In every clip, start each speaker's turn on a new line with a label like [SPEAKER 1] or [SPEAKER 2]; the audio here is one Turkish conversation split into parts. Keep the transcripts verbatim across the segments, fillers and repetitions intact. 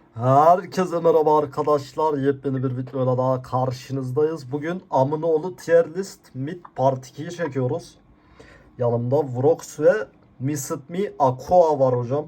[SPEAKER 1] Herkese merhaba arkadaşlar. Yepyeni bir videoyla daha karşınızdayız. Bugün Amınoğlu Tier List Mid Part ikiyi çekiyoruz. Yanımda Vrox ve Missit Me Aqua var hocam.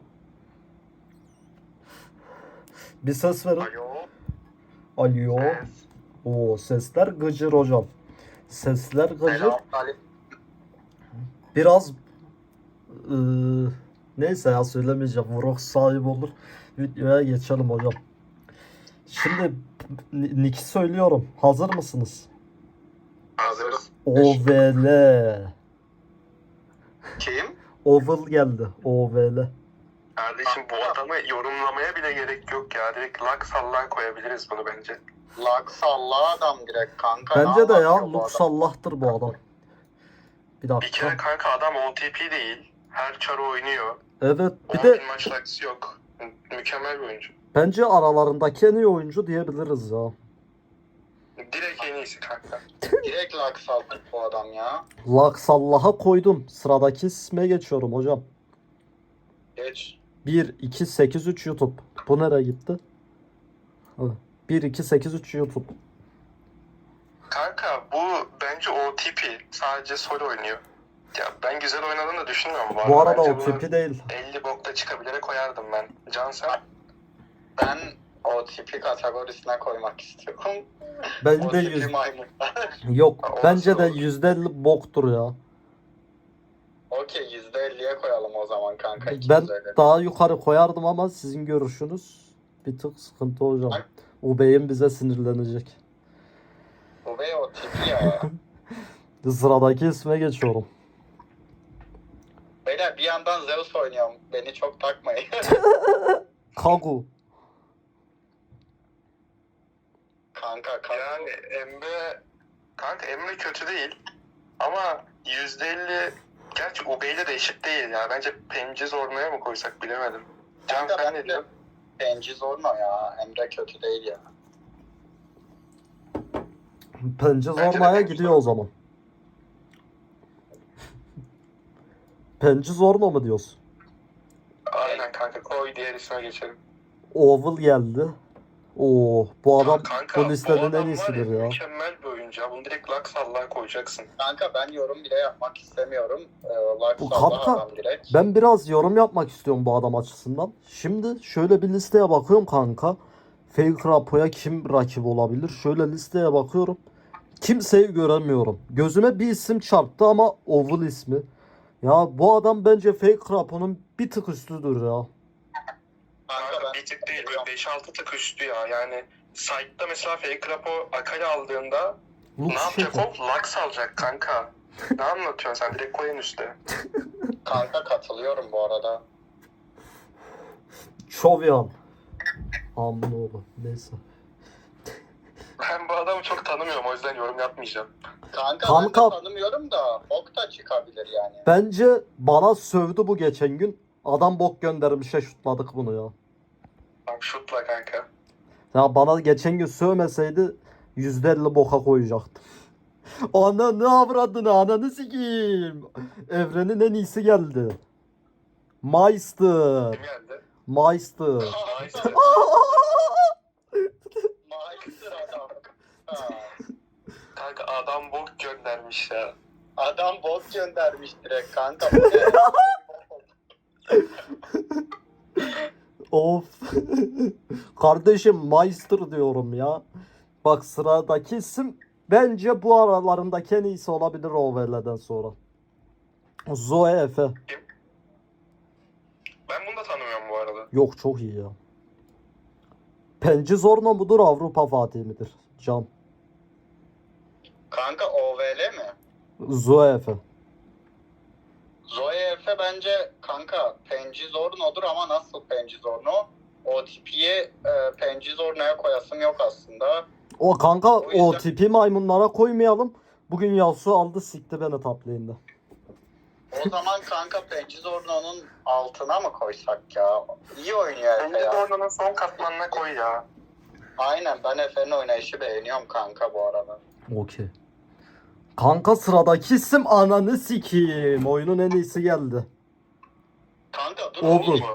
[SPEAKER 1] Bir ses verin.
[SPEAKER 2] Alo.
[SPEAKER 1] Alo.
[SPEAKER 2] Ses.
[SPEAKER 1] Oo, sesler gıcır hocam. Sesler gıcır.
[SPEAKER 2] Selam. Ali.
[SPEAKER 1] Biraz ıı, neyse ya söylemeyeceğim. Vrox sahibi olur. Videoya geçelim hocam. Şimdi N- Nick'i söylüyorum. Hazır mısınız?
[SPEAKER 2] Hazırız.
[SPEAKER 1] O V L.
[SPEAKER 2] Kim?
[SPEAKER 1] Oval geldi. O V L.
[SPEAKER 2] Kardeşim bu adamı yorumlamaya bile gerek yok ya. Direkt Lux Allah koyabiliriz bunu bence.
[SPEAKER 3] Lux Allah adam direkt kanka.
[SPEAKER 1] Bence de ya.
[SPEAKER 3] anlatıyor bu
[SPEAKER 1] Lux
[SPEAKER 3] adam?
[SPEAKER 1] Allah'tır bu adam. Bir
[SPEAKER 2] Bir kere
[SPEAKER 1] dakika.
[SPEAKER 2] kanka adam O T P değil. Her çarı oynuyor.
[SPEAKER 1] Evet. Bir
[SPEAKER 2] on
[SPEAKER 1] de
[SPEAKER 2] bin maç Lux'ı yok. Mü- Mükemmel bir oyuncu.
[SPEAKER 1] bence aralarındaki en iyi oyuncu diyebiliriz ya.
[SPEAKER 2] Direkt en iyisi kanka.
[SPEAKER 3] Direkt Lux aldı bu adam ya.
[SPEAKER 1] Lux Allah'a koydum. Sıradaki isme geçiyorum hocam.
[SPEAKER 3] Geç.
[SPEAKER 1] bir iki sekiz üç YouTube. Bu nereye gitti? bir iki sekiz üç YouTube.
[SPEAKER 2] Kanka bu bence O T P. Sadece solo oynuyor. Ya ben güzel oynadığını da düşünmüyorum bu,
[SPEAKER 1] Bu arada
[SPEAKER 2] Bence
[SPEAKER 1] o
[SPEAKER 2] bunu
[SPEAKER 1] tipi değil.
[SPEAKER 2] elli bokta çıkabilire koyardım ben. Can sen?
[SPEAKER 3] Ben o tipi kategorisine koymak istiyorum.
[SPEAKER 1] Bence
[SPEAKER 3] O
[SPEAKER 1] de
[SPEAKER 3] tipi
[SPEAKER 1] yüz...
[SPEAKER 3] maymun.
[SPEAKER 1] Yok.
[SPEAKER 2] Ha,
[SPEAKER 1] Bence de
[SPEAKER 2] orası olur.
[SPEAKER 1] yüzde elli boktur ya.
[SPEAKER 3] Okey yüzde elliye koyalım o zaman kanka.
[SPEAKER 1] Ben
[SPEAKER 3] iki yüz elli.
[SPEAKER 1] daha yukarı koyardım ama sizin görüşünüz bir tık sıkıntı hocam. Ubey'in bize sinirlenecek.
[SPEAKER 3] Bu bey o tipi ya.
[SPEAKER 1] Sıradaki isme geçiyorum.
[SPEAKER 3] Beyler bir yandan Zeus oynuyorum. Beni çok takmayın.
[SPEAKER 1] Kagu.
[SPEAKER 3] kanka kanka.
[SPEAKER 2] Yani Emre kanka Emre kötü değil ama yüzde elli gerçi Ubey'le de eşit değil ya. Bence Penci Zorno'ya mı koysak bilemedim. Can
[SPEAKER 3] Kanka
[SPEAKER 2] sen ne
[SPEAKER 3] bence
[SPEAKER 2] diyorsun?
[SPEAKER 3] Penci Zorno ya. Emre kötü değil ya.
[SPEAKER 1] Pence
[SPEAKER 2] Bence de
[SPEAKER 1] Zorna'ya
[SPEAKER 2] Pence
[SPEAKER 1] gidiyor
[SPEAKER 2] Zorno.
[SPEAKER 1] o zaman. Pence Zorna mı diyorsun?
[SPEAKER 2] Aynen kanka koy diğer isme geçelim.
[SPEAKER 1] Oval geldi. Oo, bu adam
[SPEAKER 2] Ya kanka,
[SPEAKER 1] bu listenin en
[SPEAKER 2] adam var
[SPEAKER 1] iyisidir ya.
[SPEAKER 2] Mükemmel bir oyuncu ya. Bunu direkt Lux Allah'a koyacaksın.
[SPEAKER 3] Kanka ben yorum bile yapmak istemiyorum. Ee, Lux
[SPEAKER 1] Bu
[SPEAKER 3] Allah
[SPEAKER 1] kanka,
[SPEAKER 3] adam direkt.
[SPEAKER 1] Ben biraz yorum yapmak istiyorum bu adam açısından. Şimdi şöyle bir listeye bakıyorum kanka. Fake Rapo'ya kim rakip olabilir? Şöyle listeye bakıyorum. Kimseyi göremiyorum. Gözüme bir isim çarptı ama Oval ismi. Ya bu adam bence Fake Rapo'nun bir tık üstüdür ya.
[SPEAKER 3] Kanka
[SPEAKER 2] Kanka
[SPEAKER 3] ben
[SPEAKER 2] bir tık değil böyle beş altı tık üstü ya. Yani site'da mesela Fake Rapo Akali aldığında
[SPEAKER 1] Lux
[SPEAKER 2] ne yapacak
[SPEAKER 1] şeker.
[SPEAKER 2] o? Lux alacak kanka. Ne anlatıyorsun sen? Direkt koyun üstte.
[SPEAKER 3] kanka katılıyorum bu arada.
[SPEAKER 1] Çovyan. Aminoğlu. Neyse.
[SPEAKER 2] Ben bu adamı çok tanımıyorum o yüzden yorum yapmayacağım.
[SPEAKER 3] Kanka,
[SPEAKER 1] Kanka-
[SPEAKER 3] ben de tanımıyorum da ok da çıkabilir yani.
[SPEAKER 1] Bence bana sövdü bu geçen gün. Adam bok göndermişe şutladık bunu ya.
[SPEAKER 2] Bak şutla kanka.
[SPEAKER 1] Ya bana geçen gün sövmeseydi yüzde elli boka koyacaktım. Ana ne avradını ananı sikeyim. Evrenin en iyisi geldi. Meister.
[SPEAKER 2] Kim geldi?
[SPEAKER 1] Meister.
[SPEAKER 2] Meister.
[SPEAKER 3] Meister adam. Ha.
[SPEAKER 2] Kanka adam bok göndermiş ya.
[SPEAKER 3] Adam bot göndermiş direkt kanka.
[SPEAKER 1] Of. Kardeşim Meister diyorum ya. Bak sıradaki isim bence bu aralarındaki en iyisi olabilir Ovel'den sonra. Zoe Efe.
[SPEAKER 2] Ben bunu da tanımıyorum bu arada.
[SPEAKER 1] Yok çok iyi ya. Penci Zorno mudur Avrupa Fatih midir? Can.
[SPEAKER 3] kanka O V L mi?
[SPEAKER 1] Zoe Efe.
[SPEAKER 3] Zoe Efe bence kanka Penci Zorno'dur ama nasıl Penci Zorno? O tipiyi e, Penci Zorno'ya koyasım yok aslında.
[SPEAKER 1] O kanka
[SPEAKER 3] O yüzden-
[SPEAKER 1] o tipi maymunlara koymayalım. Bugün Yasu aldı sikti beni top lane'de.
[SPEAKER 3] O zaman kanka Penci Zorno'nun altına mı koysak ya? İyi oynuyor Efe
[SPEAKER 2] Bence de
[SPEAKER 3] ya.
[SPEAKER 2] oradan son katmanına koy ya.
[SPEAKER 3] Aynen ben Efe'nin oynayışı beğeniyorum kanka bu arada.
[SPEAKER 1] Okey. Kanka sıradaki isim ananı sikeyim. Oyunun en iyisi geldi.
[SPEAKER 3] Kanka dur
[SPEAKER 1] Oldu.
[SPEAKER 3] oğlum.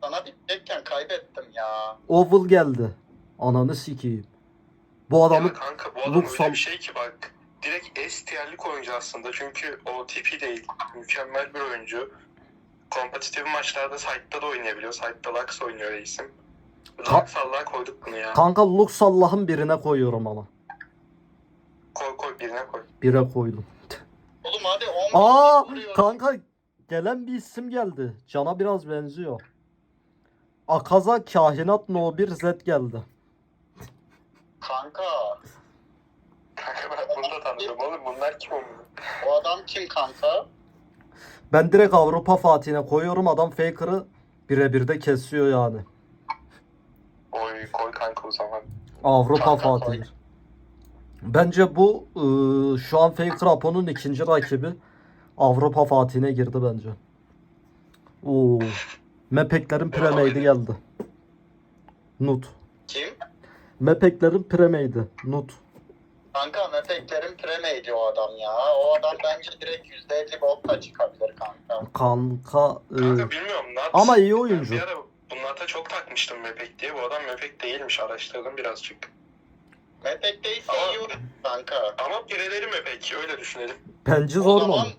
[SPEAKER 3] sana bitecekken kaybettim ya.
[SPEAKER 1] Oval geldi. Ananı sikeyim. Bu adamın
[SPEAKER 2] Ya kanka bu adam
[SPEAKER 1] Luxal-
[SPEAKER 2] öyle bir şey ki bak. Direkt S tier'lik oyuncu aslında. Çünkü o tipi değil. Mükemmel bir oyuncu. Kompetitif maçlarda Side'da da oynayabiliyor. Side'da Lux oynuyor reisim.
[SPEAKER 1] Ka-
[SPEAKER 2] Lux Allah'a koyduk bunu ya.
[SPEAKER 1] kanka Lux Allah'ın birine koyuyorum ama.
[SPEAKER 2] Koy koy birine koy.
[SPEAKER 1] Bire koydum.
[SPEAKER 3] Oğlum hadi on
[SPEAKER 1] Aa
[SPEAKER 3] bin vuruyor.
[SPEAKER 1] kanka gelen bir isim geldi. Can'a biraz benziyor. Akaza Kahinat No bir Z geldi.
[SPEAKER 3] Kanka
[SPEAKER 2] Kanka ben bunu da tanıdım oğlum. Bunlar kim oldu?
[SPEAKER 3] o adam kim kanka?
[SPEAKER 1] Ben direkt Avrupa Fatih'ine koyuyorum. Adam Faker'ı birebir de kesiyor yani.
[SPEAKER 2] Oy koy kanka o zaman.
[SPEAKER 1] Avrupa
[SPEAKER 3] Kanka koy.
[SPEAKER 1] Fatih. Bence bu ıı, şu an Faker Apo'nun ikinci rakibi. Avrupa Fatih'ine girdi bence. Oo. Mepeklerin premade'i geldi. Nut.
[SPEAKER 3] Kim?
[SPEAKER 1] Mepeklerin premade'i. Nut.
[SPEAKER 3] Kanka Mepeklerin premeydi o adam ya. O adam bence direkt yüzde elli botla çıkabilir kanka.
[SPEAKER 1] Kanka. ıı,
[SPEAKER 2] Kanka bilmiyorum. Nat,
[SPEAKER 1] ama iyi oyuncu.
[SPEAKER 2] Ben bir ara bunlarda çok takmıştım Mepek diye. Bu adam Mepek değilmiş. Araştırdım birazcık.
[SPEAKER 3] Mepek değilse
[SPEAKER 2] Ama-
[SPEAKER 3] iyi oyuncu kanka.
[SPEAKER 2] Ama pireleri Mepek. Öyle düşünelim.
[SPEAKER 1] Penci
[SPEAKER 3] O
[SPEAKER 1] zor mu?
[SPEAKER 3] zaman-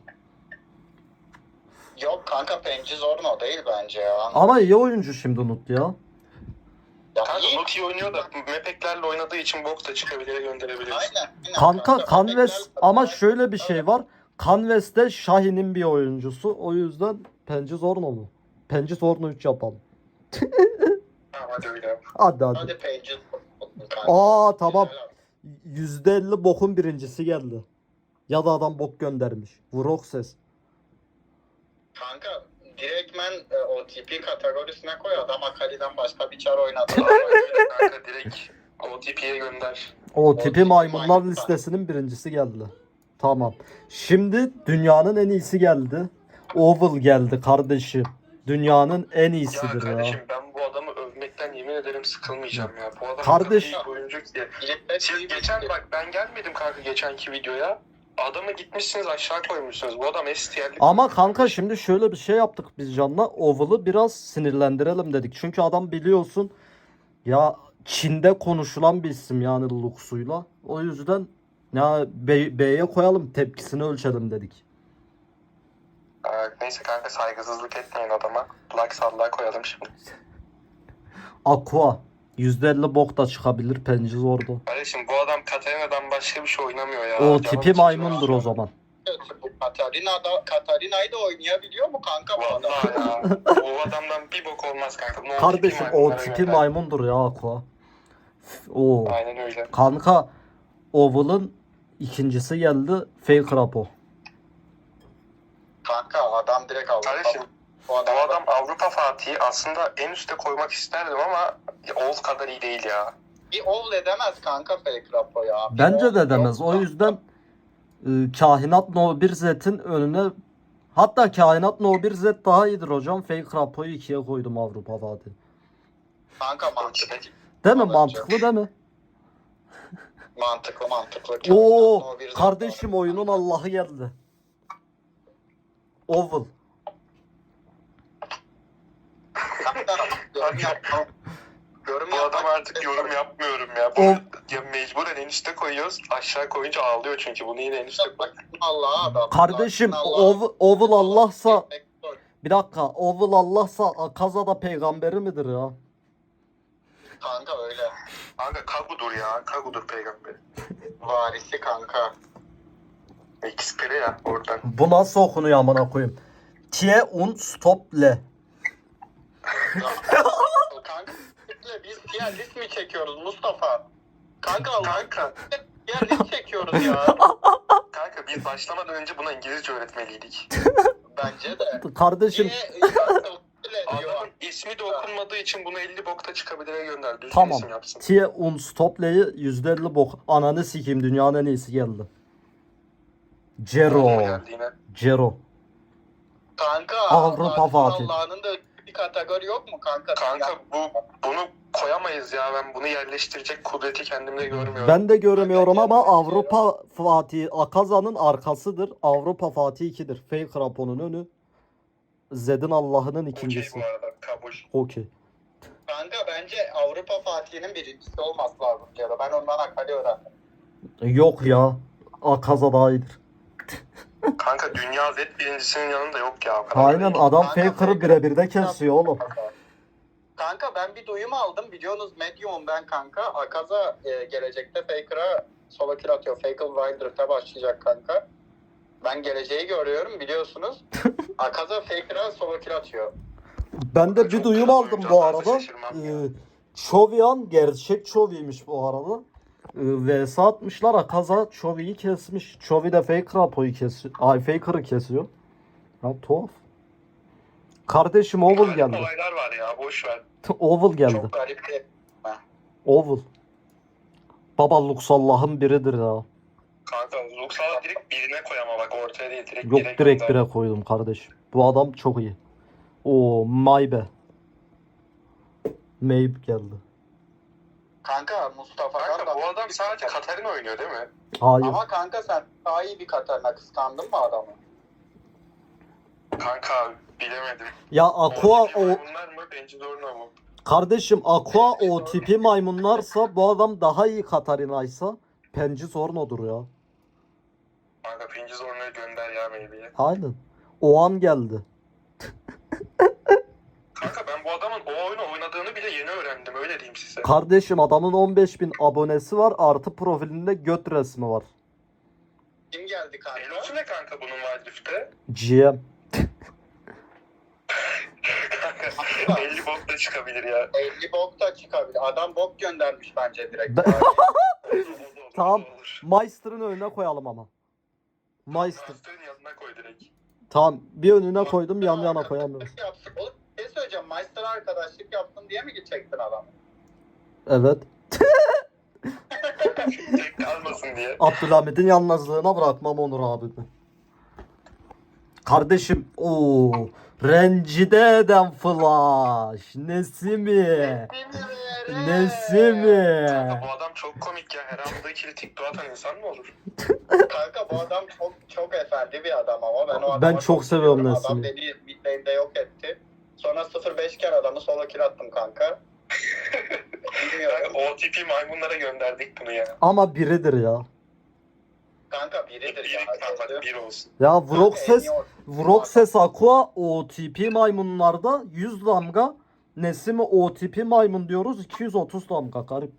[SPEAKER 3] Yok kanka Penci Zorno değil bence ya.
[SPEAKER 1] Ama iyi oyuncu şimdi Nut ya.
[SPEAKER 3] Ya
[SPEAKER 2] Kanka
[SPEAKER 3] iyi.
[SPEAKER 2] Nut iyi oynuyor da Mepeklerle oynadığı için box da çıkabilir gönderebiliriz.
[SPEAKER 3] Aynen. aynen
[SPEAKER 1] Kanka Canves
[SPEAKER 3] Mepekler-
[SPEAKER 1] ama şöyle bir şey var. Canves de Şahin'in bir oyuncusu. O yüzden Penci Zorno mu? Penci Zorno üç yapalım.
[SPEAKER 2] Tamam hadi öyle yap.
[SPEAKER 1] Hadi hadi.
[SPEAKER 3] Hadi Penci Zorno kanka.
[SPEAKER 1] Aa tamam.
[SPEAKER 3] Güzel.
[SPEAKER 1] yüzde elli bokun birincisi geldi. Ya da adam bok göndermiş. Vurok ses.
[SPEAKER 3] Kanka direktmen e, o tipi kategorisine koy adam Akali'den başka bir çar oynadı.
[SPEAKER 2] Tamam öyle kanka direkt O T P'ye gönder.
[SPEAKER 1] O tipi
[SPEAKER 3] tipi
[SPEAKER 1] maymunlar
[SPEAKER 3] maymunlar.
[SPEAKER 1] listesinin birincisi geldi. Tamam. Şimdi dünyanın en iyisi geldi. Oval geldi kardeşim. Dünyanın en
[SPEAKER 2] Ya
[SPEAKER 1] iyisidir ya.
[SPEAKER 2] kardeşim ben bu adamı övmekten yemin ederim sıkılmayacağım ya. Bu adam
[SPEAKER 1] Kardeş-
[SPEAKER 2] o kadar iyi bir oyuncu ki.
[SPEAKER 3] Birlikte
[SPEAKER 2] Siz geçen bak ben gelmedim kanka geçenki videoya. Adamı gitmişsiniz aşağı koymuşsunuz. Bu adam S tier'lik.
[SPEAKER 1] Ama kanka şimdi şöyle bir şey yaptık biz Can'la. Oval'ı biraz sinirlendirelim dedik. Çünkü adam biliyorsun ya Çin'de konuşulan bir isim yani Lux'uyla. O yüzden ya B- B'ye koyalım tepkisini ölçelim dedik.
[SPEAKER 2] Aa, neyse kanka saygısızlık etmeyin adama. Lux Allah'a koyalım şimdi.
[SPEAKER 1] Aqua. yüzde elli bok da çıkabilir Penci zordu.
[SPEAKER 2] Kardeşim bu adam Katarina'dan başka bir şey oynamıyor ya.
[SPEAKER 1] O
[SPEAKER 2] Canım
[SPEAKER 1] tipi
[SPEAKER 2] çekiyor
[SPEAKER 1] maymundur
[SPEAKER 2] ya.
[SPEAKER 1] o zaman.
[SPEAKER 3] bu Katarina'da Katarina'yı da oynayabiliyor mu kanka bu adam?
[SPEAKER 2] Vallahi ya. O adamdan bir bok olmaz kanka. No
[SPEAKER 1] Kardeşim
[SPEAKER 2] tipi
[SPEAKER 1] o
[SPEAKER 2] maymunlara
[SPEAKER 1] tipi
[SPEAKER 2] gönder.
[SPEAKER 1] maymundur ya Aqua. O
[SPEAKER 2] Aynen öyle.
[SPEAKER 1] kanka Oval'ın ikincisi geldi Fake Rapo.
[SPEAKER 3] Kanka adam direkt Avrupa.
[SPEAKER 2] Kardeşim
[SPEAKER 3] Bu
[SPEAKER 2] bu
[SPEAKER 3] adam,
[SPEAKER 2] adam Avrupa Fatih'i aslında en üste koymak isterdim ama Oğuz kadar iyi değil ya.
[SPEAKER 3] bir ol edemez kanka Fake Rapo ya. Bir
[SPEAKER 1] Bence
[SPEAKER 3] ol
[SPEAKER 1] de demez.
[SPEAKER 3] yok
[SPEAKER 1] O
[SPEAKER 3] kanka.
[SPEAKER 1] yüzden e, Kahinat No bir Z'in önüne hatta Kahinat No bir Z daha iyidir hocam. Fake Rapo'yu ikiye koydum Avrupa Fatih.
[SPEAKER 3] Kanka mantıklı.
[SPEAKER 1] Değil mi?
[SPEAKER 3] Bence.
[SPEAKER 1] Mantıklı değil mi?
[SPEAKER 3] Mantıklı mantıklı.
[SPEAKER 1] Oo
[SPEAKER 3] O bir
[SPEAKER 1] kardeşim
[SPEAKER 3] zaten-
[SPEAKER 1] oyunun Allah'ı geldi. Oval.
[SPEAKER 3] Kanka, yorum yapma. Yorum
[SPEAKER 2] Bu
[SPEAKER 3] yapmak
[SPEAKER 2] adam artık
[SPEAKER 3] istemiyorum.
[SPEAKER 2] yorum yapmıyorum ya. Bu,
[SPEAKER 1] O-
[SPEAKER 2] ya mecburen en üste koyuyoruz. Aşağı koyunca ağlıyor çünkü. Bunu yine en üste koy.
[SPEAKER 3] Allah adam.
[SPEAKER 1] Kardeşim
[SPEAKER 3] Allah.
[SPEAKER 1] Oval, Oval Allah'sa
[SPEAKER 3] Vektör.
[SPEAKER 1] bir dakika Oval Allah'sa Akaza da peygamberi midir ya?
[SPEAKER 3] Kanka öyle.
[SPEAKER 2] Kanka Kagu'dur ya. Kagu'dur peygamber.
[SPEAKER 3] Varisi kanka.
[SPEAKER 2] Xperi ya oradan.
[SPEAKER 1] Bu nasıl okunuyor amına koyayım? Tie un stop le.
[SPEAKER 3] Kanka biz diğer list mi çekiyoruz Mustafa? Kanka Allah
[SPEAKER 2] Kanka,
[SPEAKER 3] diğer list çekiyoruz ya.
[SPEAKER 2] kanka biz başlamadan önce buna İngilizce öğretmeliydik.
[SPEAKER 3] Bence de.
[SPEAKER 1] Kardeşim
[SPEAKER 3] Niye? Öyle diyor.
[SPEAKER 2] Adamın ismi de okunmadığı için bunu elli bokta çıkabilire gönder. Düzgün
[SPEAKER 1] tamam.
[SPEAKER 2] isim yapsın.
[SPEAKER 1] Tie un stop le'yi yüzde elli bok. Ananı sikeyim dünyanın en iyisi geldi. Cero.
[SPEAKER 2] Aklıma geldi yine.
[SPEAKER 1] Cero.
[SPEAKER 3] Kanka
[SPEAKER 1] Avrupa
[SPEAKER 3] Allah'ın
[SPEAKER 1] Fatih.
[SPEAKER 3] Allah'ın da bir kategori yok mu kanka?
[SPEAKER 2] Kanka bu bunu koyamayız ya. Ben bunu yerleştirecek kudreti kendimde görmüyorum.
[SPEAKER 1] Ben de göremiyorum ama Avrupa Fatih Akaza'nın arkasıdır. Avrupa Fatih ikidir. Fake Rapo'nun önü. Zed'in Allah'ının
[SPEAKER 2] Okey
[SPEAKER 1] ikincisi.
[SPEAKER 2] bu arada. kabul.
[SPEAKER 1] Okey.
[SPEAKER 3] Kanka bence Avrupa Fatih'inin birincisi olması lazım diyor. Ben ondan Akali öğrendim.
[SPEAKER 1] Yok ya. Akaza daha iyidir.
[SPEAKER 2] Kanka dünya Z birincisinin yanında yok ya. O kadar
[SPEAKER 1] Aynen
[SPEAKER 2] değil.
[SPEAKER 1] adam
[SPEAKER 3] Kanka,
[SPEAKER 1] Faker'ı birebir de kesiyor oğlum.
[SPEAKER 3] Kanka ben bir duyum aldım. Biliyorsunuz Medium ben kanka. Akaza e, gelecekte Faker'a solo kill atıyor. Faker Wildrift'e başlayacak kanka. Ben geleceği görüyorum biliyorsunuz. Akaza Faker'a solo kill atıyor.
[SPEAKER 1] Ben de bir
[SPEAKER 2] Çok
[SPEAKER 1] duyum
[SPEAKER 2] klas
[SPEAKER 1] aldım
[SPEAKER 2] oyuncu
[SPEAKER 1] bu
[SPEAKER 2] atarsa
[SPEAKER 1] arada.
[SPEAKER 2] şaşırmam
[SPEAKER 1] Ee,
[SPEAKER 2] ya.
[SPEAKER 1] Çovian gerçek Çovi'ymiş bu arada. Ee, V S atmışlar, Akaza Çovi'yi kesmiş. Çovi de Faker Apo'yu kesiyor. Ay Faker'ı kesiyor. Ya tuhaf. Kardeşim Oval
[SPEAKER 2] Garip
[SPEAKER 1] geldi.
[SPEAKER 2] olaylar var ya boş ver.
[SPEAKER 1] Oval geldi.
[SPEAKER 3] Çok garip bir...
[SPEAKER 1] Oval. Baba Lux Allah'ın biridir ya.
[SPEAKER 2] Kanka Luxal'a direkt birine koy ama bak ortaya değil direkt
[SPEAKER 1] Yok
[SPEAKER 2] bire
[SPEAKER 1] direkt
[SPEAKER 2] gönder.
[SPEAKER 1] bire koydum kardeşim. Bu adam çok iyi. O Maybe. Maybe geldi.
[SPEAKER 3] Kanka Mustafa
[SPEAKER 2] Kanka bu adam sadece Katarina oynuyor değil mi?
[SPEAKER 1] Hayır.
[SPEAKER 3] Ama kanka sen daha iyi bir Katarina kıskandın mı adamı?
[SPEAKER 2] Kanka bilemedim.
[SPEAKER 1] Ya Aqua
[SPEAKER 2] O
[SPEAKER 1] o
[SPEAKER 2] bunlar mı? Bence Dorna mı?
[SPEAKER 1] kardeşim Aqua o tipi maymunlarsa bu adam daha iyi Katarina'ysa Penci Zorno'dur ya.
[SPEAKER 2] Kanka Pinci Zorna'yı gönder ya maybe'ye.
[SPEAKER 1] Aynen. O an geldi.
[SPEAKER 2] Kanka ben bu adamın o oyunu oynadığını bile yeni öğrendim öyle diyeyim size.
[SPEAKER 1] Kardeşim adamın on beş bin abonesi var, artı profilinde göt resmi var.
[SPEAKER 3] Kim geldi kanka?
[SPEAKER 2] Elosu ne kanka bunun Wildrift'te?
[SPEAKER 1] G M.
[SPEAKER 2] Kanka elli bok da çıkabilir ya.
[SPEAKER 3] elli bok da çıkabilir. Adam bok göndermiş bence direkt.
[SPEAKER 1] Ben-
[SPEAKER 2] Olur, olur,
[SPEAKER 1] Tamam.
[SPEAKER 2] olur.
[SPEAKER 1] Meister'ın önüne koyalım ama. Meister.
[SPEAKER 2] Master'ın yanına koy direkt.
[SPEAKER 1] Tamam, bir önüne koydum, yan yana koyamıyoruz.
[SPEAKER 3] Yapsın. Oğlum bir şey söyleyeceğim. Meister'a arkadaşlık yaptın diye mi gidecektin adam?
[SPEAKER 1] Evet.
[SPEAKER 2] Tek kalmasın diye.
[SPEAKER 1] Abdülhamid'in yalnızlığına bırakmam Onur abimi. Kardeşim o rencide eden flash. Nesi mi? Nesi mi?
[SPEAKER 2] Kanka bu adam çok komik ya. Her anda ikili TikTok atan insan mı olur?
[SPEAKER 3] Kanka bu adam çok çok efendi bir adam ama ben o adamı
[SPEAKER 1] Ben çok seviyorum
[SPEAKER 3] Adam
[SPEAKER 1] Nesli'yi.
[SPEAKER 3] beni midlane'de yok etti. Sonra sıfır beş iken adamı solo kill attım kanka. Bilmiyorum.
[SPEAKER 2] Kanka o tipi maymunlara gönderdik bunu ya.
[SPEAKER 1] Ama biridir ya.
[SPEAKER 3] Kanka biridir
[SPEAKER 2] Bir,
[SPEAKER 3] ya.
[SPEAKER 2] kanka bir olsun.
[SPEAKER 1] Ya Vroxes,
[SPEAKER 3] En iyi
[SPEAKER 1] Vroxes Aqua O T P maymunlarda yüz damga. Nesimi O T P maymun diyoruz, iki yüz otuz damga garip.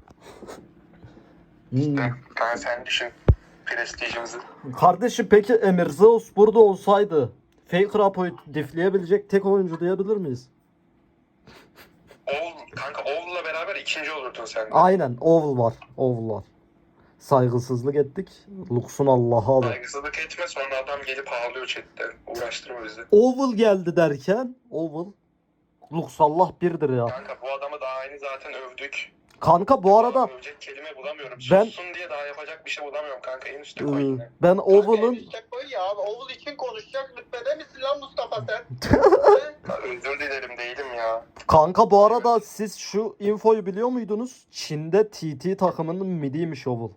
[SPEAKER 1] Hmm.
[SPEAKER 2] Kanka sen düşün. Prestijimizi.
[SPEAKER 1] Kardeşim peki Emir Zeus burada olsaydı Faker Apo'yu difleyebilecek tek oyuncu diyebilir miyiz?
[SPEAKER 2] Oğul, kanka Oğul'la beraber ikinci olurdun sen de.
[SPEAKER 1] Aynen, Oval var. Oval var. Saygısızlık ettik. Lux'un Allah'a da.
[SPEAKER 2] Saygısızlık etme sonra adam gelip ağlıyor chatte. Uğraştırma bizi.
[SPEAKER 1] Oval geldi derken Oval. Lux Allah birdir ya.
[SPEAKER 2] Kanka bu adamı daha aynı zaten övdük.
[SPEAKER 1] Kanka bu arada
[SPEAKER 2] Övecek kelime bulamıyorum.
[SPEAKER 1] Ben-
[SPEAKER 2] Sussun diye daha yapacak bir şey bulamıyorum kanka. En üstte
[SPEAKER 1] ıı,
[SPEAKER 2] koy yine.
[SPEAKER 1] ben
[SPEAKER 3] Kanka en
[SPEAKER 1] Oval'ın
[SPEAKER 3] üstte koy ya. Oval için konuşacak rütbede misin lan Mustafa sen?
[SPEAKER 2] Ya özür dilerim değilim ya.
[SPEAKER 1] kanka bu arada siz şu infoyu biliyor muydunuz? Çin'de T T takımının midiymiş Oval.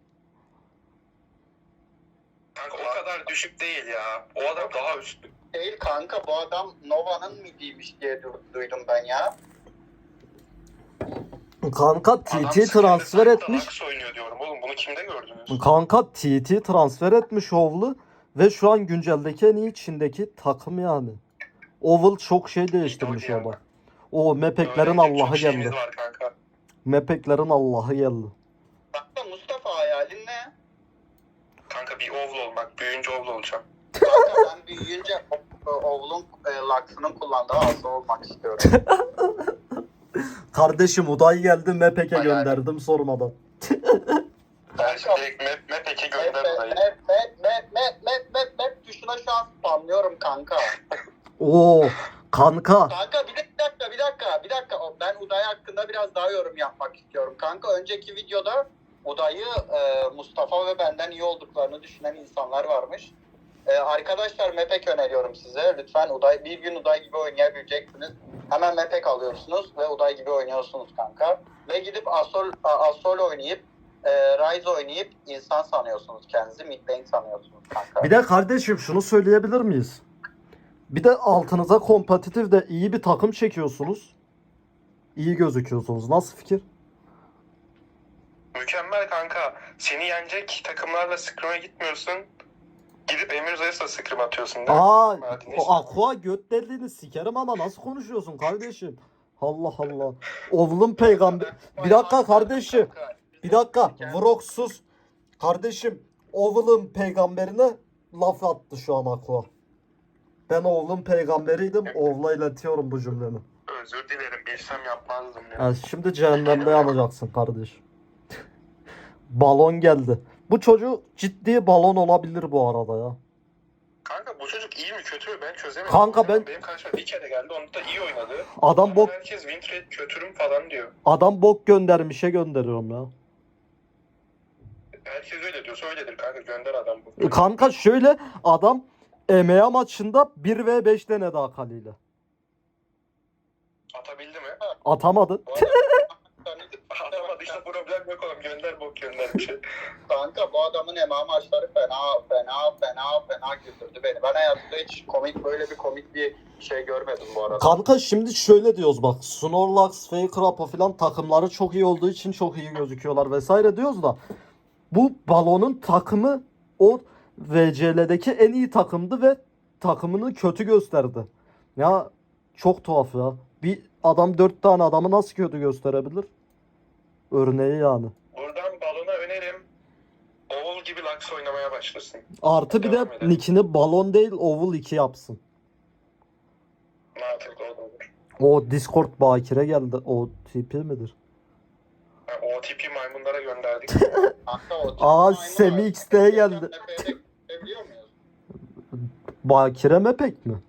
[SPEAKER 2] Kanka o kadar düşük değil ya. O adam daha üstü.
[SPEAKER 3] Değil kanka bu adam Nova'nın midiymiş diye du- duydum ben ya.
[SPEAKER 1] Kanka T
[SPEAKER 2] Adam
[SPEAKER 1] T transfer
[SPEAKER 2] sıkıntı,
[SPEAKER 1] etmiş.
[SPEAKER 2] Lux oynuyor diyorum oğlum. Bunu kimde gördünüz?
[SPEAKER 1] Kanka T T transfer etmiş Oval'ı ve şu an günceldeki en iyi Çin'deki takım yani. Oval çok şey değiştirmiş
[SPEAKER 2] İdol ya.
[SPEAKER 1] orada. O mepeklerin
[SPEAKER 2] Öğrenecek
[SPEAKER 1] Allah'ı
[SPEAKER 2] çok şeyimiz
[SPEAKER 1] geldi.
[SPEAKER 2] var kanka.
[SPEAKER 1] Mepeklerin Allah'ı geldi.
[SPEAKER 3] Kanka Mustafa hayalin ne?
[SPEAKER 2] Kanka bir oval olmak. Büyüyünce oval olacağım.
[SPEAKER 3] Kanka ben büyüyünce o- Oval'un e, Lux'ının kullandığı asa olmak istiyorum.
[SPEAKER 1] Kardeşim Uday geldi, Mepek'e
[SPEAKER 3] Hayal.
[SPEAKER 1] gönderdim sormadan.
[SPEAKER 2] Ben şimdi direkt map, map eke
[SPEAKER 3] Mep
[SPEAKER 2] gönder
[SPEAKER 3] mep
[SPEAKER 2] orayı.
[SPEAKER 3] mep mep mep mep mep mep tuşuna şu an spamlıyorum kanka.
[SPEAKER 1] Oo kanka.
[SPEAKER 3] Kanka bir dakika bir dakika bir dakika ben Uday hakkında biraz daha yorum yapmak istiyorum. Kanka önceki videoda Uday'ı e, Mustafa ve benden iyi olduklarını düşünen insanlar varmış. E, arkadaşlar Mepek öneriyorum size. Lütfen Uday bir gün Uday gibi oynayabileceksiniz. Hemen Mepek alıyorsunuz ve Uday gibi oynuyorsunuz kanka. Ve gidip Asol, Asol oynayıp e, Ryze oynayıp insan sanıyorsunuz kendinizi. Mid lane sanıyorsunuz kanka.
[SPEAKER 1] Bir de kardeşim şunu söyleyebilir miyiz? Bir de altınıza kompetitif de iyi bir takım çekiyorsunuz. İyi gözüküyorsunuz. Nasıl fikir?
[SPEAKER 2] Mükemmel kanka. Seni yenecek takımlarla scrim'e gitmiyorsun. Gidip Emir Zayıs'la scrim atıyorsun değil mi?
[SPEAKER 1] Aa,
[SPEAKER 2] Martinez.
[SPEAKER 1] o Aqua göt deliğini sikerim ama nasıl konuşuyorsun kardeşim? Allah Allah. Oğlum peygamber. Bir dakika kardeşim. Bir dakika. Vroksuz. Kardeşim. Oğlum peygamberine laf attı şu an Aqua. Ben oğlum peygamberiydim. Oğla iletiyorum bu cümlemi.
[SPEAKER 2] Özür dilerim. Bilsem yapmazdım ya.
[SPEAKER 1] Yani şimdi cehennemde yanacaksın kardeşim. Balon geldi. Bu çocuk ciddi balon olabilir bu arada ya.
[SPEAKER 2] Kanka bu çocuk iyi mi kötü mü ben çözemedim.
[SPEAKER 1] Kanka ben-
[SPEAKER 2] Benim karşıma bir kere geldi. Onu da iyi oynadı.
[SPEAKER 1] Adam
[SPEAKER 2] Ama
[SPEAKER 1] bok
[SPEAKER 2] herkes win rate kötürüm falan diyor.
[SPEAKER 1] adam bok göndermişe gönderiyorum ya.
[SPEAKER 2] Herkes öyle diyorsa öyledir kanka. Gönder adam bu.
[SPEAKER 1] Kanka şöyle adam E M A maçında bir ve beş denedi Akali ile.
[SPEAKER 2] Atabildi mi?
[SPEAKER 1] Atamadı.
[SPEAKER 3] Bu adam-
[SPEAKER 2] Atamadı işte problem yok oğlum. Gönder bok gönder bir şey.
[SPEAKER 3] Kanka bu adamın M M A maçları fena fena fena fena güldürdü beni. Ben hayatımda hiç komik böyle bir komik bir şey görmedim bu arada.
[SPEAKER 1] Kanka şimdi şöyle diyoruz bak. Snorlax, Faker Apo falan takımları çok iyi olduğu için çok iyi gözüküyorlar vesaire diyoruz da bu balonun takımı o V C L'deki en iyi takımdı ve takımını kötü gösterdi. Ya çok tuhaf ya. Bir adam dört tane adamı nasıl kötü gösterebilir? Örneği yani.
[SPEAKER 2] Buradan balona önerim. Oğul gibi Lux oynamaya başlasın.
[SPEAKER 1] Artı bir de
[SPEAKER 2] Devam edelim.
[SPEAKER 1] nickini balon değil Oval iki yapsın.
[SPEAKER 2] Mantıklı olur.
[SPEAKER 1] O Discord bakire geldi. O tipi midir?
[SPEAKER 2] Ha, O T P maymunlara gönderdik.
[SPEAKER 3] Kanka o
[SPEAKER 1] Aa,
[SPEAKER 3] maymun
[SPEAKER 1] Semi
[SPEAKER 3] abi.
[SPEAKER 1] X'te geldi.
[SPEAKER 3] Biliyor muyuz?
[SPEAKER 1] Bakire mi pek mi?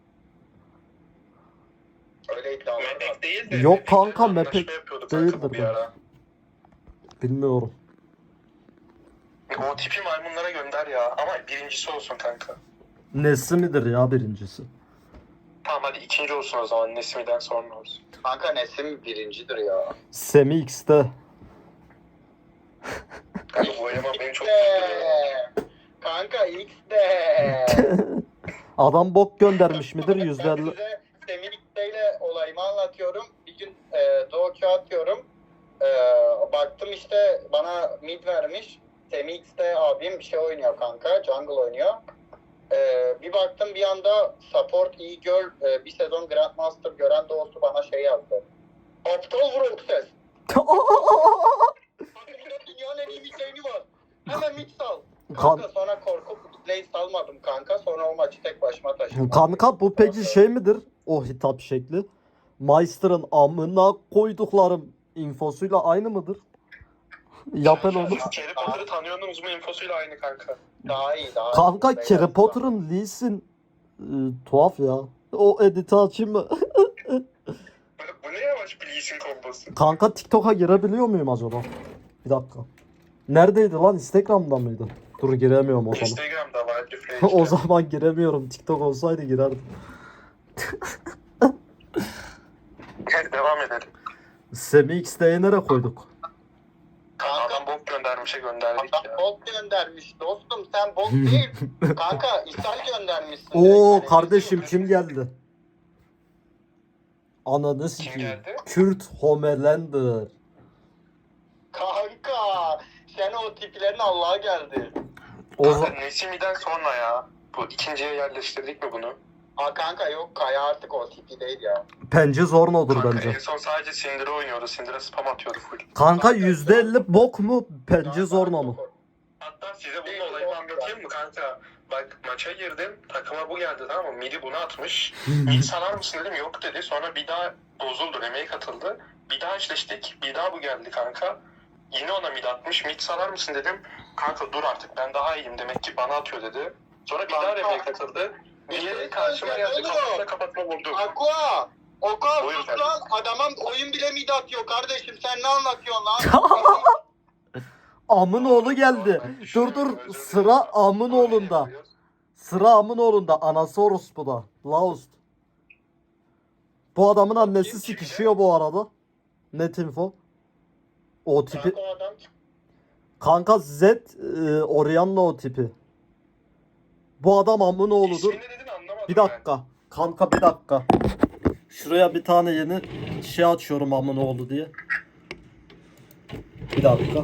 [SPEAKER 3] Öyle iddialar var.
[SPEAKER 2] Mepek değil de.
[SPEAKER 1] Yok
[SPEAKER 2] Mepek'le
[SPEAKER 1] kanka,
[SPEAKER 2] anlaşma
[SPEAKER 1] Mepek
[SPEAKER 2] yapıyordu kanka bu
[SPEAKER 1] değildir
[SPEAKER 2] bir
[SPEAKER 1] bu.
[SPEAKER 2] ara.
[SPEAKER 1] Bilmiyorum.
[SPEAKER 2] O tipi maymunlara gönder ya. Ama birincisi olsun kanka.
[SPEAKER 1] Nesi midir ya birincisi?
[SPEAKER 2] Tamam hadi ikinci olsun o zaman. Nesimi'den sonra olsun.
[SPEAKER 3] Kanka Nesim birincidir ya.
[SPEAKER 1] Semi X'te.
[SPEAKER 2] Kanka bu eleman beni çok
[SPEAKER 3] X'de.
[SPEAKER 2] tutuyor.
[SPEAKER 3] Kanka X'de.
[SPEAKER 1] Adam bok göndermiş midir
[SPEAKER 3] Ben
[SPEAKER 1] yüzde elli?
[SPEAKER 3] size Semih ile olayımı anlatıyorum. Bir gün e, Doğu atıyorum. E, baktım işte bana mid vermiş. Semih X'de abim bir şey oynuyor kanka. Jungle oynuyor. E, bir baktım bir anda support iyi girl e, bir sezon Grandmaster gören doğusu bana şey yazdı. Aptal vuruk ses. Dünyanın en iyi midlane'i var. Hemen mid sal. Kanka
[SPEAKER 1] Kan-
[SPEAKER 3] sonra korkup midlane salmadım kanka. Sonra o maçı tek başıma taşıdım.
[SPEAKER 1] Kanka bu peki şey midir? O hitap şekli. Meister'ın amına koyduklarım infosuyla aynı mıdır? Yapın onu.
[SPEAKER 2] Harry Potter'ı tanıyorsunuz mu infosuyla aynı kanka.
[SPEAKER 3] Daha iyi daha
[SPEAKER 1] Kanka
[SPEAKER 3] iyi.
[SPEAKER 1] Harry Potter'ın Lee Sin e, tuhaf ya. O editi açayım mı?
[SPEAKER 2] Bu ne yavaş bir Lee Sin kombosu.
[SPEAKER 1] Kanka TikTok'a girebiliyor muyum acaba? Bir dakika. Neredeydi lan? Instagram'da mıydı? Dur giremiyorum o zaman.
[SPEAKER 2] Instagram'da var. Refresh.
[SPEAKER 1] O zaman giremiyorum. TikTok olsaydı girerdim.
[SPEAKER 2] Hadi devam edelim.
[SPEAKER 1] Semi X'de nereye koyduk?
[SPEAKER 3] Kanka
[SPEAKER 2] Adam bok göndermişe gönderdik
[SPEAKER 3] adam
[SPEAKER 2] ya.
[SPEAKER 3] bot göndermiş dostum sen bot değil. Kanka ishal göndermişsin.
[SPEAKER 1] Oo
[SPEAKER 3] direkt.
[SPEAKER 1] kardeşim kim geldi? Ananı
[SPEAKER 2] Kim
[SPEAKER 1] sikeyim.
[SPEAKER 2] geldi?
[SPEAKER 1] Kürt Homelander.
[SPEAKER 3] Kanka sen o tiplerin Allah'a geldi.
[SPEAKER 1] O
[SPEAKER 2] Kanka
[SPEAKER 1] za-
[SPEAKER 2] Nesimi'den sonra ya. Bu ikinciye yerleştirdik mi bunu?
[SPEAKER 3] Aa kanka yok Kaya artık o tipi değil ya.
[SPEAKER 1] Pence Zorno'dur
[SPEAKER 2] Kanka
[SPEAKER 1] bence.
[SPEAKER 2] en son sadece Syndra oynuyordu. Syndra spam atıyordu full.
[SPEAKER 1] Kanka yüzde elli bok mu? Pence Zorno mu?
[SPEAKER 2] Hatta size bunun olayını anlatayım mı kanka? Bak maça girdim. Takıma bu geldi tamam mı? Midi bunu atmış. Mid sanar mısın dedim. Yok dedi. Sonra bir daha bozuldu. Remake katıldı. Bir daha eşleştik. Bir daha bu geldi kanka. Yine ona mid atmış. Mid sanar mısın dedim. Kanka dur artık ben daha iyiyim. Demek ki bana atıyor dedi. Sonra bir daha
[SPEAKER 3] Kanka.
[SPEAKER 2] remake katıldı. Diğeri karşıma geldi. Kafasına kapatma vurdu.
[SPEAKER 3] Aqua! Aqua
[SPEAKER 2] Buyur
[SPEAKER 3] sus
[SPEAKER 2] kardeşim.
[SPEAKER 3] lan adama oyun bile mid atıyor kardeşim sen ne anlatıyorsun lan?
[SPEAKER 1] Amın oğlu geldi. Dur dur sıra amın oğlunda. Sıra amın oğlunda. Anası orospuda. Laust. Bu adamın annesi sikişiyor bu arada. Net info. O tipi.
[SPEAKER 3] Kanka o adam
[SPEAKER 1] Kanka Z e, Orianna o tipi. Bu adam amın oğludur.
[SPEAKER 2] İsmini dedin anlamadım
[SPEAKER 1] Bir
[SPEAKER 2] ben.
[SPEAKER 1] dakika. Kanka bir dakika. Şuraya bir tane yeni şey açıyorum amına oldu diye. Bir dakika.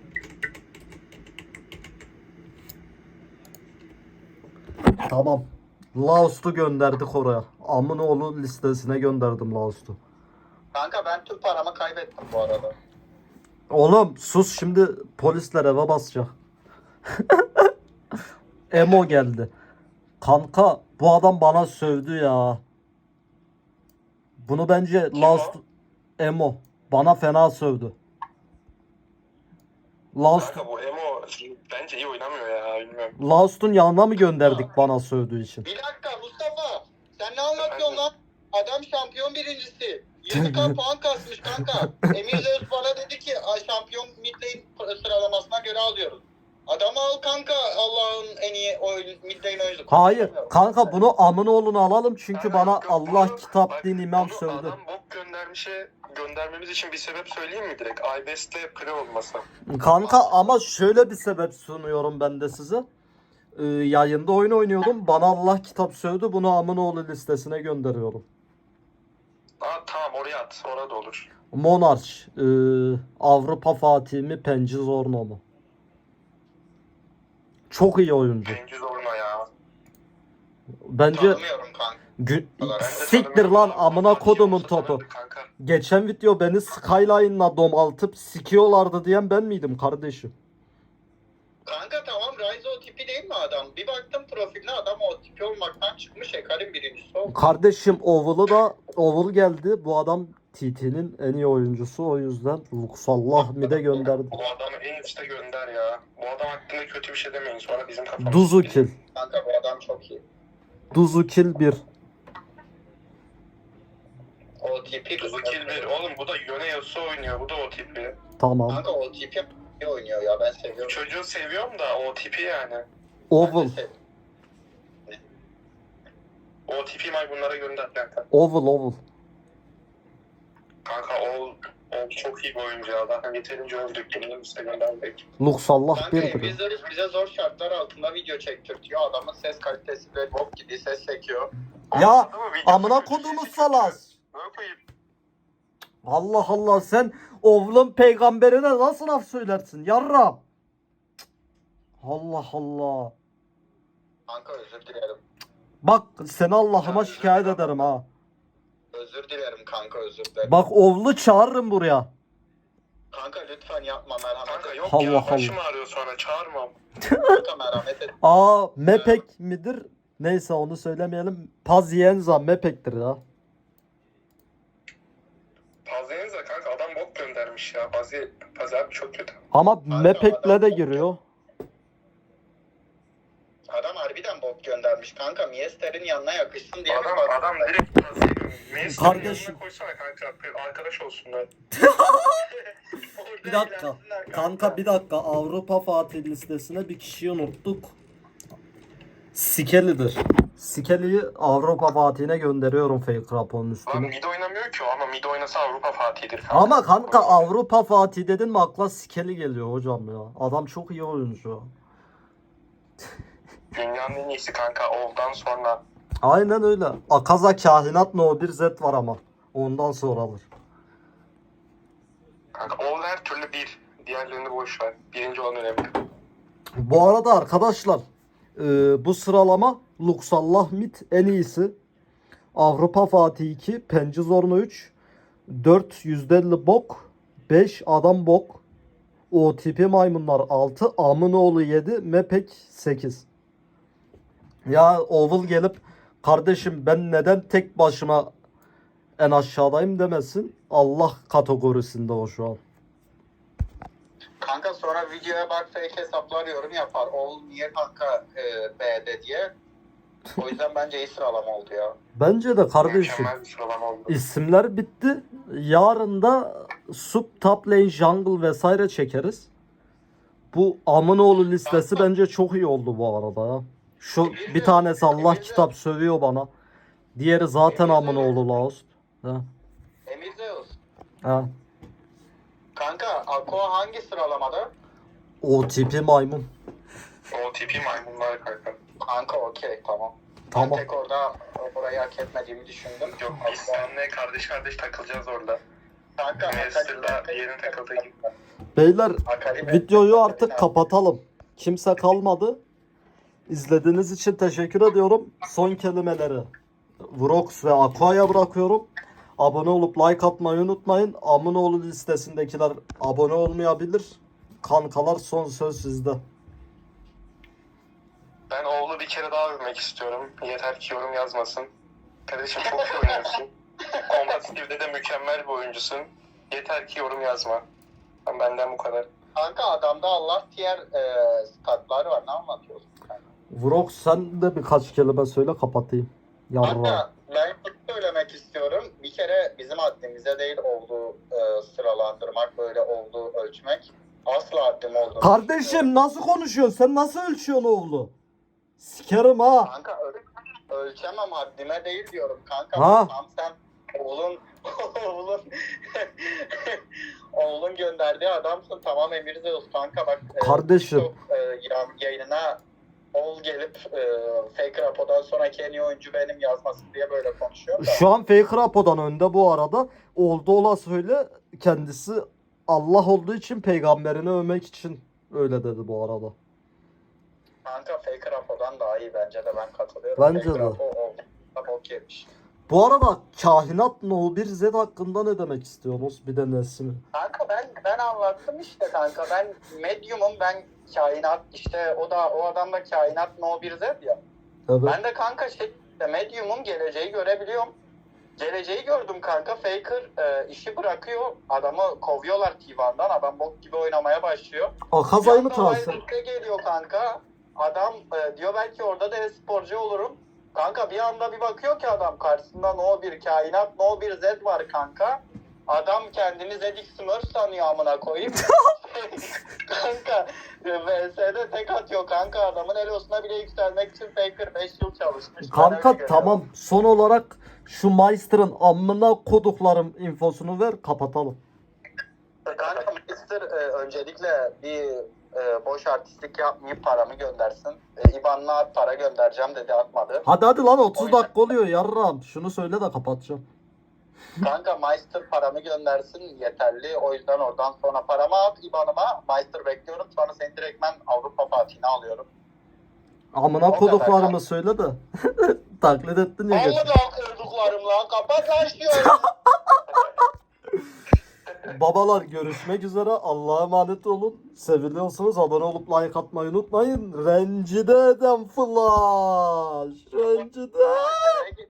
[SPEAKER 1] Tamam. Laos'tu gönderdik oraya. Amınoğlu listesine gönderdim Laos'tu.
[SPEAKER 3] Kanka ben tüm paramı kaybettim bu arada.
[SPEAKER 1] Oğlum sus, şimdi polisler eve basacak. Emo geldi. Kanka bu adam bana sövdü ya. Bunu bence
[SPEAKER 2] Kim
[SPEAKER 1] Laos
[SPEAKER 2] o?
[SPEAKER 1] Emo bana fena sövdü. Laos
[SPEAKER 2] Kanka bu Emo bence iyi oynamıyor ya, bilmiyorum.
[SPEAKER 1] Laos'un yanına mı gönderdik bana sövdüğü için?
[SPEAKER 3] Bir dakika Mustafa. Sen ne anlatıyorsun lan? Adam şampiyon birincisi. yirmi bin puan kasmış kanka. Emir Zeus bana dedi ki "Ay, şampiyon mid lane sıralamasına göre alıyoruz. Adamı al kanka, Allah'ın en iyi oyun, mid lane oyuncusu.
[SPEAKER 1] Hayır kanka, bunu Amınoğlu'nu alalım çünkü
[SPEAKER 2] Kanka
[SPEAKER 1] bana
[SPEAKER 2] yok, yok,
[SPEAKER 1] Allah
[SPEAKER 2] bunu-
[SPEAKER 1] kitap
[SPEAKER 2] bak,
[SPEAKER 1] din imam
[SPEAKER 2] bunu
[SPEAKER 1] sövdü.
[SPEAKER 2] Adam bok göndermişe göndermemiz için bir sebep söyleyeyim mi direkt? iBest'le pre olması.
[SPEAKER 1] Kanka ama şöyle bir sebep sunuyorum ben de size. Ee, yayında oyun oynuyordum. Bana Allah kitap sövdü. Bunu Amınoğlu listesine gönderiyorum.
[SPEAKER 2] Aa tamam, oraya at. Orada olur.
[SPEAKER 1] Monarch. ee, Avrupa Fatih mi? Penci Zorno mu? Çok iyi oyuncu.
[SPEAKER 2] Cengiz Orna ya.
[SPEAKER 1] Bence
[SPEAKER 3] Tanımıyorum kanka.
[SPEAKER 1] gü-
[SPEAKER 2] Ben de
[SPEAKER 1] siktir
[SPEAKER 2] tanımıyorum.
[SPEAKER 1] lan amına
[SPEAKER 2] Fatih
[SPEAKER 1] kodumun
[SPEAKER 2] olsa
[SPEAKER 1] topu.
[SPEAKER 2] tanırdı kanka.
[SPEAKER 1] Geçen video beni Skyline'la domaltıp sikiyorlardı diyen ben miydim kardeşim?
[SPEAKER 3] Kanka tamam, Ryze o tipi değil mi adam? Bir baktım profiline, adam o tipi olmaktan çıkmış. Hekar'ın birincisi oldu.
[SPEAKER 1] Kardeşim Oval'ı da Oval geldi. Bu adam T T'nin en iyi oyuncusu, o yüzden Luxallah mi de gönderdi.
[SPEAKER 2] Bu adamı en üste gönder ya. Bu adam hakkında kötü bir şey demeyin. Sonra bizim kafamız...
[SPEAKER 1] Duzukil.
[SPEAKER 3] Kanka bu adam çok iyi.
[SPEAKER 1] Duzukil bir.
[SPEAKER 3] O tipi...
[SPEAKER 2] Duzukil bir. Oğlum bu da Yone Yasuo oynuyor. Bu da o tipi.
[SPEAKER 1] Tamam.
[SPEAKER 3] Kanka o tipi iyi oynuyor ya, ben seviyorum.
[SPEAKER 2] Çocuğu seviyorum da o tipi yani.
[SPEAKER 1] Oval.
[SPEAKER 3] Ben de sev-
[SPEAKER 2] O tipi maymunlara gönder kanka.
[SPEAKER 1] Oval oval.
[SPEAKER 2] Kanka o, o çok iyi bir oyuncu ya. Zaten yeterince öldük. Bunu üste gönderdik.
[SPEAKER 1] Luxallah
[SPEAKER 3] Kanka
[SPEAKER 1] bir
[SPEAKER 3] Emir
[SPEAKER 1] bir.
[SPEAKER 3] Zeus bize zor şartlar altında video çektirtiyor. Adamın ses kalitesi ve bok gibi ses çekiyor.
[SPEAKER 1] Ya
[SPEAKER 2] Ama video
[SPEAKER 1] amına
[SPEAKER 2] kötü,
[SPEAKER 1] kodumu
[SPEAKER 2] sesi
[SPEAKER 1] salas.
[SPEAKER 2] kötü. Ne yapayım?
[SPEAKER 1] Allah Allah, sen Oval'ın peygamberine nasıl laf söylersin yarram? Allah Allah.
[SPEAKER 3] Kanka özür dilerim.
[SPEAKER 1] Bak seni Allah'ıma
[SPEAKER 2] Ya,
[SPEAKER 1] şikayet
[SPEAKER 2] özür dilerim.
[SPEAKER 1] ederim ha.
[SPEAKER 3] Özür dilerim kanka, özür dilerim.
[SPEAKER 1] Bak Oval'ı çağırırım buraya.
[SPEAKER 3] Kanka lütfen yapma, merhamet
[SPEAKER 2] Kanka
[SPEAKER 3] et.
[SPEAKER 2] yok
[SPEAKER 1] Allah
[SPEAKER 2] ya, başım
[SPEAKER 1] Allah.
[SPEAKER 2] ağrıyor sonra, çağırmam.
[SPEAKER 3] Kanka merhamet et.
[SPEAKER 1] Aa Mepek midir? Neyse onu söylemeyelim. Pazienza Mepek'tir ya.
[SPEAKER 2] Pazienza kanka, adam bok göndermiş ya. Pazi, Pazi abi çok kötü.
[SPEAKER 1] Ama Mepek'le de giriyor.
[SPEAKER 3] Adam harbiden bok göndermiş kanka. Miester'in yanına yakışsın diye
[SPEAKER 2] Adam,
[SPEAKER 3] bir bak-
[SPEAKER 2] adam direkt Pazi'yi Meclis'in
[SPEAKER 1] Kardeşim.
[SPEAKER 2] yanına koysana kanka. Arkadaş olsunlar.
[SPEAKER 1] Bir dakika. Kanka bir dakika. Avrupa Fatih listesine bir kişiyi unuttuk. Sikeli'dir. Sikeli'yi Avrupa Fatih'ine gönderiyorum fake raporun
[SPEAKER 2] Lan
[SPEAKER 1] üstüne.
[SPEAKER 2] mid oynamıyor ki o, ama mid oynasa Avrupa Fatih'dir kanka.
[SPEAKER 1] Ama kanka Avrupa Fatih dedin mi akla Sikeli geliyor hocam ya. Adam çok iyi oyuncu.
[SPEAKER 2] Dünyanın en iyisi kanka, Oğul'dan sonra.
[SPEAKER 1] Aynen öyle. Akaza Kahinat No bir Z var ama. Ondan sonra alır.
[SPEAKER 2] Kanka Oğul her türlü bir. Diğerlerini boş ver. Birinci olan önemli.
[SPEAKER 1] Bu arada arkadaşlar e, bu sıralama Luxallah Mid en iyisi. Avrupa Fatih iki, Penci Zorno üç, dört yüzde elli bok, beş adam bok, O tipi maymunlar altı, Amınoğlu yedi, Mepek sekiz. Ya Oval gelip kardeşim ben neden tek başıma en aşağıdayım demesin. Allah kategorisinde o şu an.
[SPEAKER 3] Kanka sonra videoya bak, fake hesaplar yorum yapar. Oğul niye kanka e, B'de diye. O yüzden bence iyi sıralama oldu ya.
[SPEAKER 1] Bence de kardeşim.
[SPEAKER 2] Mükemmel bir sıralama oldu.
[SPEAKER 1] İsimler bitti. Yarın da sub, top lane, jungle vesaire çekeriz. Bu Amınoğlu listesi bence çok iyi oldu bu arada ya. Şu bir tanesi Allah kitap sövüyor bana. Diğeri zaten Amınoğlu Laos. Ha.
[SPEAKER 3] Emir Zeus.
[SPEAKER 1] Ha.
[SPEAKER 3] Kanka Aqua hangi sıralamada?
[SPEAKER 1] O tipi maymun.
[SPEAKER 2] O tipi maymunlar kanka.
[SPEAKER 3] Kanka okey tamam.
[SPEAKER 1] Tamam.
[SPEAKER 3] Ben tek orada orayı hak etmediğimi düşündüm.
[SPEAKER 2] Yok biz seninle kardeş kardeş takılacağız orada.
[SPEAKER 3] Kanka
[SPEAKER 2] Manchester'da yerin takıldığı gibi.
[SPEAKER 1] Beyler
[SPEAKER 3] Akali-
[SPEAKER 1] videoyu artık kapatalım. Kimse kalmadı. İzlediğiniz için teşekkür ediyorum. Son kelimeleri Vrox ve Aqua'ya bırakıyorum. Abone olup like atmayı unutmayın. Aminoğlu listesindekiler abone olmayabilir. Kankalar son söz sizde.
[SPEAKER 2] Ben oğlu bir kere daha övmek istiyorum. Yeter ki yorum yazmasın. Kardeşim çok iyi oynuyorsun. Kompetitif'de de mükemmel bir oyuncusun. Yeter ki yorum yazma. Benden bu kadar.
[SPEAKER 3] Kanka adamda Allah diğer e, statları var. Ne anlatıyorsun?
[SPEAKER 1] Vrox sen de birkaç kelime söyle kapatayım. Yarra.
[SPEAKER 3] Kanka ben şunu söylemek istiyorum. Bir kere bizim haddimize değil olduğu e, sıralandırmak, böyle olduğu ölçmek. Asla haddim olduğunu
[SPEAKER 1] Kardeşim nasıl konuşuyorsun? Sen nasıl ölçüyorsun oğlu? Sikerim ha.
[SPEAKER 3] Kanka öl- ölçemem, haddime değil diyorum kanka.
[SPEAKER 1] Ha?
[SPEAKER 3] Tam sen oğlun oğlun oğlun gönderdiği adamsın, tamam Emir Zeus kanka bak. e,
[SPEAKER 1] Kardeşim.
[SPEAKER 3] TikTok, e, ya- yayınına oğul gelip e, fake rapodan sonraki en iyi oyuncu benim yazmasın diye böyle konuşuyor da.
[SPEAKER 1] Şu an Fake Rapo'dan önde bu arada. Oldu ola söyle kendisi Allah olduğu için peygamberini övmek için öyle dedi bu arada.
[SPEAKER 3] Kanka fake rapodan daha iyi bence de, ben katılıyorum.
[SPEAKER 1] Bence
[SPEAKER 3] fake
[SPEAKER 1] de.
[SPEAKER 3] Rapo oldu. Bok yemiş.
[SPEAKER 1] Bu arada Kahinat No bir Z hakkında ne demek istiyorsunuz? Bir de Nesimi.
[SPEAKER 3] Kanka ben ben anlattım işte kanka. Ben medyumum, ben kainat, işte o da o adam da kainat no bir Z ya.
[SPEAKER 1] Evet.
[SPEAKER 3] Ben de kanka şey işte medyumum, geleceği görebiliyorum. Geleceği gördüm kanka. Faker e, işi bırakıyor. Adamı kovuyorlar T bir'den. Adam bok gibi oynamaya başlıyor.
[SPEAKER 1] Akazay mı
[SPEAKER 3] Bir anda
[SPEAKER 1] transfer?
[SPEAKER 3] Wildcard'e geliyor kanka. Adam e, diyor belki orada da e-sporcu olurum. Kanka bir anda bir bakıyor ki adam karşısında no bir kainat no bir Z var kanka. Adam kendini Zedik Smurf sanıyor amına koyayım. Kanka V S'de tek atıyor kanka, adamın elosuna bile yükselmek için Faker beş yıl çalışmış. Ben öyle
[SPEAKER 1] Kanka
[SPEAKER 3] görüyorum.
[SPEAKER 1] tamam, son olarak şu Meister'ın amına koduklarım infosunu ver kapatalım.
[SPEAKER 3] Kanka Mister e, öncelikle bir e, boş artistlik yapmayıp paramı göndersin. E, İban'la para göndereceğim dedi, atmadı.
[SPEAKER 1] Hadi hadi lan otuz
[SPEAKER 3] yüzden-
[SPEAKER 1] dakika oluyor yarram. Şunu söyle de kapatacağım.
[SPEAKER 3] Kanka Meister paramı göndersin yeterli. O yüzden oradan sonra paramı at İban'ıma. Meister bekliyorum. Sonra seni direktmen Avrupa Fatih'ine alıyorum.
[SPEAKER 1] Amına
[SPEAKER 3] O kadar
[SPEAKER 1] koduklarımı
[SPEAKER 3] kanka.
[SPEAKER 1] söyle de. Taklit ettin ya.
[SPEAKER 3] Vallahi
[SPEAKER 1] geçen.
[SPEAKER 3] daha kurduklarım lan. Kapat lan şu
[SPEAKER 1] Babalar görüşmek üzere. Allah'a emanet olun. Seviliyorsunuz. Abone olup like atmayı unutmayın. Rencide eden flash. Rencide.